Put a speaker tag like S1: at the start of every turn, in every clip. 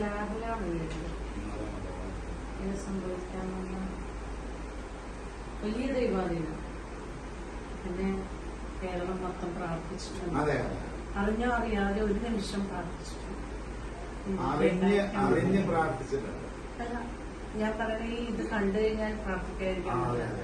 S1: ലാബിലാണ് വീട്ടില് ഇത് സംഭവിക്കാനുള്ള വലിയ ദൈവാധീനം. പിന്നെ കേരളം മൊത്തം പ്രാർത്ഥിച്ചിട്ടുണ്ട്. അറിഞ്ഞോ അറിയാതെ ഒരു നിമിഷം പ്രാർത്ഥിച്ചിട്ടുണ്ട്. അല്ല, ഞാൻ പറഞ്ഞ ഇത് കണ്ടു കഴിഞ്ഞാൽ പ്രാർത്ഥിക്കാതിരിക്കാൻ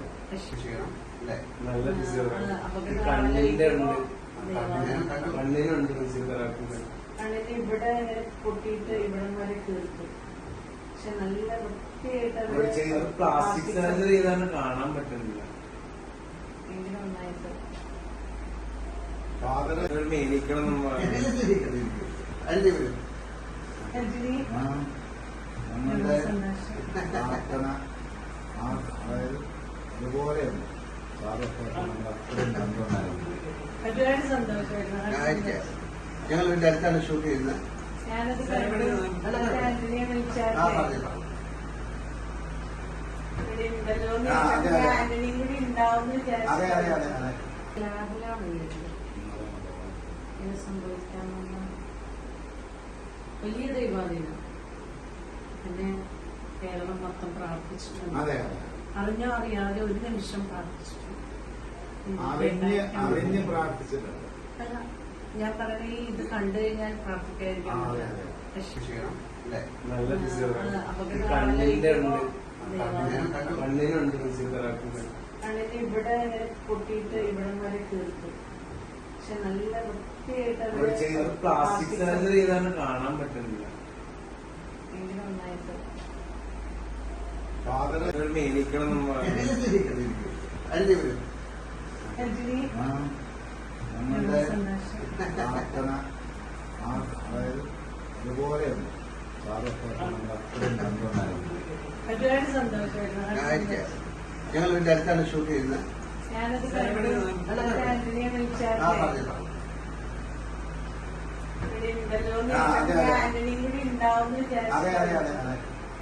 S1: കണ്ണിന് ഇവിടെ പൊട്ടിയിട്ട് ഇവിടം വരെ തീർക്കും. പക്ഷെ നല്ല വൃത്തിയായിട്ട്
S2: പ്ലാസ്റ്റിക് സർജറി ചെയ്താണ് കാണാൻ പറ്റുന്നില്ല.
S1: എങ്ങനെ നന്നായിട്ട്
S2: മേനിക്കണം
S3: ഇതുപോലെയുണ്ട്.
S1: ഒരുപാട് സന്തോഷമായിരുന്നു.
S4: ഞങ്ങൾ വീട്ടിൽ അടുത്താണ് ഷൂട്ട് ചെയ്യുന്നത്.
S1: ഞാനത് ആന്റണിയെ വിളിച്ചാൽ ആന്റണിയും കൂടി ഉണ്ടാവും ലാബിലാണ് വീട്ടില് ഇത് സംഭവിക്കാനുള്ള വലിയ ദൈവാധീനം. പിന്നെ കേരളം മൊത്തം പ്രാർത്ഥിച്ചിട്ടുണ്ട്. അറിഞ്ഞോ അറിയാതെ ഒരു നിമിഷം പ്രാർത്ഥിച്ചിട്ടുണ്ട്. അല്ല, ഞാൻ പറഞ്ഞ ഇത് കണ്ടു കഴിഞ്ഞാൽ പ്രാർത്ഥിക്കാതിരിക്കാൻ കണ്ണിന് ഇവിടെ പൊട്ടിയിട്ട് ഇവിടം വരെ തീർക്കും. പക്ഷെ നല്ല വൃത്തിയായിട്ട്
S2: പ്ലാസ്റ്റിക് സർജറി ചെയ്താണ് കാണാൻ പറ്റുന്നില്ല.
S1: എങ്ങനെ നന്നായിട്ട്
S2: മേനിക്കണം
S3: ഇതുപോലെയുണ്ട്.
S1: ഒരുപാട് സന്തോഷമായിരുന്നു.
S4: ഞങ്ങൾ വീട്ടിൽ അടുത്താണ് ഷൂട്ട് ചെയ്യുന്നത്.
S1: ഞാനത് ആന്റണിയെ വിളിച്ചാൽ ആന്റണിയും കൂടി ഉണ്ടാവും